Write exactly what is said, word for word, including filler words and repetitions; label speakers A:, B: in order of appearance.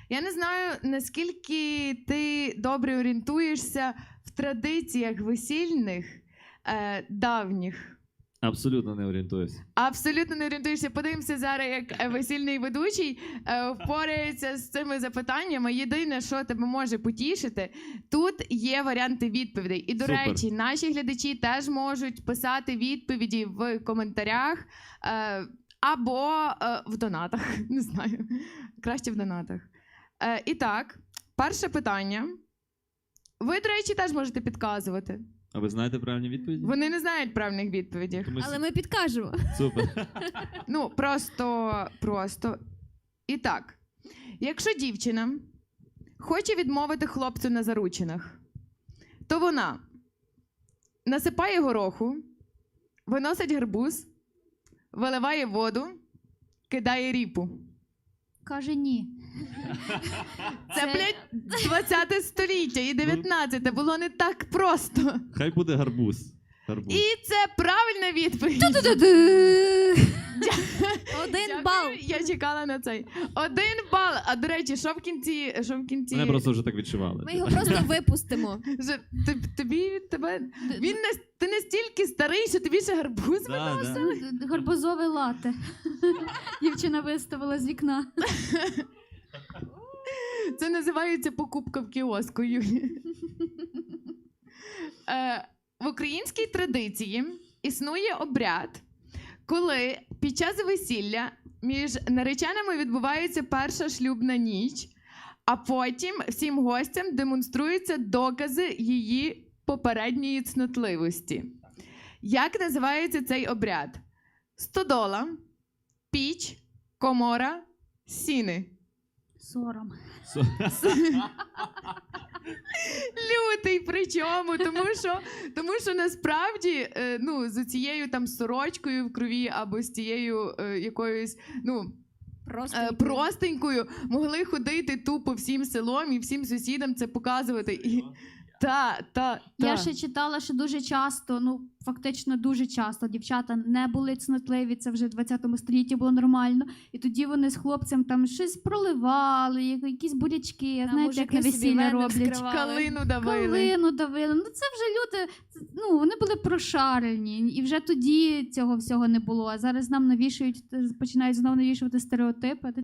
A: Я не знаю, наскільки ти добре орієнтуєшся в традиціях весільних е, давніх.
B: Абсолютно не орієнтуюся.
A: Абсолютно не орієнтуєшся. Подивимося зараз, як е, весільний ведучий е, впорається з цими запитаннями. Єдине, що тебе може потішити, тут є варіанти відповідей. І, до
B: Супер.
A: речі, наші глядачі теж можуть писати відповіді в коментарях е, або е, в донатах. Не знаю. Краще в донатах. Е, і так, перше питання. Ви, до речі, теж можете підказувати.
B: А ви знаєте правильні відповіді?
A: Вони не знають правильних відповідей.
B: Тому
C: Але ми підкажемо.
B: Супер.
A: Ну, просто, просто. І так, якщо дівчина хоче відмовити хлопцю на заручинах, то вона насипає гороху, виносить гарбуз, виливає воду, кидає ріпу.
C: Каже ні.
A: Це,
C: Це-
A: блядь, двадцяте століття і дев'ятнадцяте. Було не так просто.
B: Хай буде гарбуз. Гарбуз.
A: І це правильна відповідь.
C: Ту-ду-ду-ду. Один
A: Дякую,
C: бал.
A: Я чекала на цей. Один бал. А до речі, що в кінці? Що в кінці?
B: Мене просто вже так відчували.
C: Ми його просто випустимо.
A: Вже тоб- тобі тебе. Він не ти настільки старий, що тобі ще гарбуз
B: Да,
A: виносили.
B: да.
C: Гарбузове лате. Дівчина виставила з вікна.
A: Це називається покупка в кіоску, Юлі. Е, в українській традиції існує обряд, коли під час весілля між нареченими відбувається перша шлюбна ніч, а потім всім гостям демонструються докази її попередньої цнотливості. Як називається цей обряд? Стодола, піч, комора, сіни.
C: Сором.
B: Со-
A: Лютий причому, тому що, тому що насправді е, ну, з цією там сорочкою в крові або з тією е, якоюсь ну,
C: Просто.
A: е, простенькою могли ходити тупо всім селом і всім сусідам це показувати. І, та, та, та.
C: Я ще читала, що дуже часто, ну фактично дуже часто дівчата не були цнотливі, це вже в двадцятому столітті було нормально. І тоді вони з хлопцем там щось проливали, я- якісь бурячки,
D: А
C: знаєте, як на
D: мужики собі
C: весілля
D: вени
C: роблять.
D: вскривали.
A: Калину давили.
C: Калину давили. Ну це вже люди, це- ну вони були прошарені. І вже тоді цього всього не було. А зараз нам навішують, починають знову навішувати стереотипи.